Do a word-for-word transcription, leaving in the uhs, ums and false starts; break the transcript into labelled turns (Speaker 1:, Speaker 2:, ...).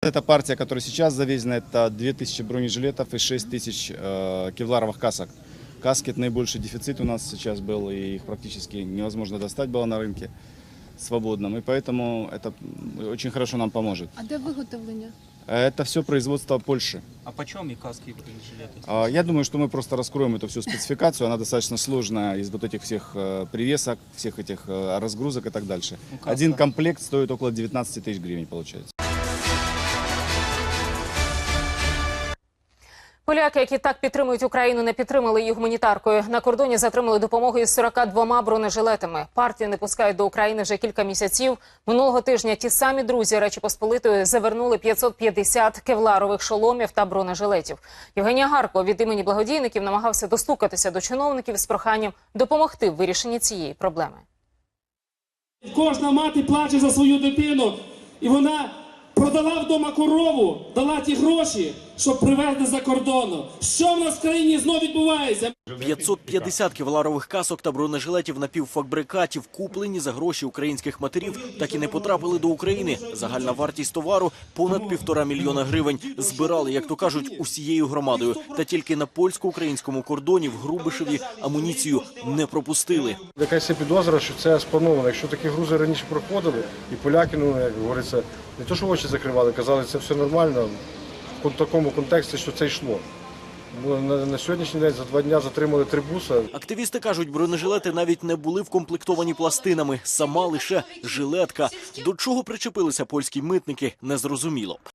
Speaker 1: эта партия, которая сейчас завезена, это две тысячи бронежилетов и шесть тысяч э, кевларовых касок. Каски – это наибольший дефицит у нас сейчас был, и их практически невозможно достать было на рынке свободном. И поэтому это очень хорошо нам поможет.
Speaker 2: А де виготовлення?
Speaker 1: Это все производство Польши.
Speaker 3: А почем и каски и бронежилеты?
Speaker 1: А, Я думаю, что мы просто раскроем эту всю спецификацию. Она достаточно сложная из вот этих всех э, привесок, всех этих э, разгрузок и так дальше.
Speaker 3: Ну, каска.
Speaker 1: Один комплект стоит около девятнадцати тысяч гривен, получается.
Speaker 4: Поляки, які так підтримують Україну, не підтримали її гуманітаркою. На кордоні затримали допомогу із сорока двома бронежилетами. Партію не пускають до України вже кілька місяців. Минулого тижня ті самі друзі Речі Посполитої завернули п'ятсот п'ятдесят кевларових шоломів та бронежилетів. Євгенія Гарко від імені благодійників намагався достукатися до чиновників з проханням допомогти в вирішенні цієї проблеми.
Speaker 5: Кожна мати плаче за свою дитину, і вона продала вдома корову, дала ті гроші, щоб привезти за кордону. Що в нас в країні знов відбувається?
Speaker 6: п'ятсот п'ятдесят кевларових касок та бронежилетів напівфабрикатів, куплені за гроші українських матерів, так і не потрапили до України. Загальна вартість товару – понад півтора мільйона гривень. Збирали, як то кажуть, усією громадою. Та тільки на польсько-українському кордоні в Грубишеві амуніцію не пропустили.
Speaker 7: Якась є підозра, що це сплановано. Якщо такі грузи раніше проходили, і поляки, ну, як говориться, не то, що очі закривали, казали, це все нормально, в такому контексті, що це йшло. На, на сьогоднішній день за два дні затримали три буса.
Speaker 6: Активісти кажуть, бронежилети навіть не були вкомплектовані пластинами. Сама лише жилетка. До чого причепилися польські митники, незрозуміло.